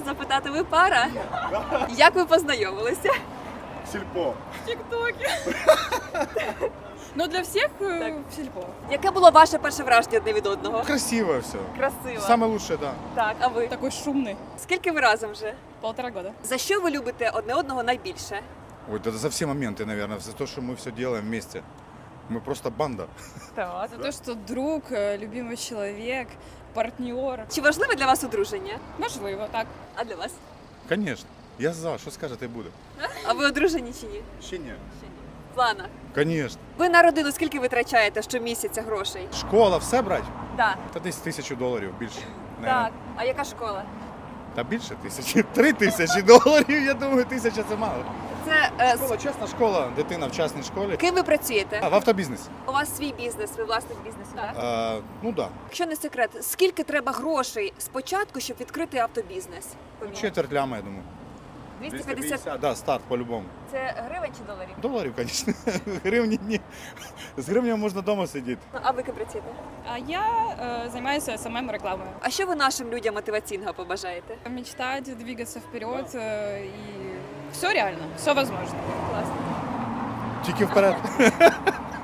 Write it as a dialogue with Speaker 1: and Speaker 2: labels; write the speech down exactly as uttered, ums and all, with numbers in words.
Speaker 1: запитати, ви пара? Як ви познайомилися?
Speaker 2: Сільпо.
Speaker 3: В ТикТоке. Но для всех э,
Speaker 1: Так.
Speaker 3: в сельпо.
Speaker 1: Яке було ваше перше враження одне від одного?
Speaker 2: Красиво все.
Speaker 1: Красиво.
Speaker 2: Самое лучшее, да.
Speaker 1: Так, а ви?
Speaker 3: Такой шумный.
Speaker 1: Скільки ви разом вже?
Speaker 3: Полтора года.
Speaker 1: За що ви любите одне одного найбільше?
Speaker 2: Ой, это за все моменты, наверное, за то, что мы все делаем вместе. Мы просто банда.
Speaker 1: Так.
Speaker 3: За то, что друг, э, любимый человек, партнер.
Speaker 1: Чи важливе для вас одруження?
Speaker 3: Можливо, так.
Speaker 1: А для вас?
Speaker 2: Конечно. Я за, що скажете, буде.
Speaker 1: А ви одружені чи ні?
Speaker 2: Ще ні.
Speaker 1: Ще ні. В планах.
Speaker 2: Конечно.
Speaker 1: Ви на родину скільки витрачаєте щомісяця грошей?
Speaker 2: Школа, все брать?
Speaker 1: Так.
Speaker 2: Та десь тисячу доларів більше.
Speaker 1: Так. А яка школа?
Speaker 2: Та більше тисячі. Три тисячі доларів, я думаю, тисяча це мало.
Speaker 1: Це е,
Speaker 2: Школа, чесна школа, дитина в частній школі.
Speaker 1: ким ви працюєте?
Speaker 2: А, в автобізнесі.
Speaker 1: У вас свій бізнес, ви власник бізнесу, так?
Speaker 2: А, ну так. Да.
Speaker 1: Якщо не секрет, скільки треба грошей спочатку, щоб відкрити автобізнес?
Speaker 2: Четверть ляма, я думаю.
Speaker 1: двісті п'ятдесят.
Speaker 2: Да, старт по-любому.
Speaker 1: Це гривень чи доларів?
Speaker 2: Доларів, звісно. Гривні ні. З гривнями можна вдома сидіти.
Speaker 1: А ви ким працюєте?
Speaker 3: А я э, занимаюсь эс эм эм рекламой.
Speaker 1: А що ви нашим людям мотиваційного побажаєте?
Speaker 3: Мечтать, двигаться вперед, э, и все реально, все возможно.
Speaker 1: Класно.
Speaker 2: Тільки вперед.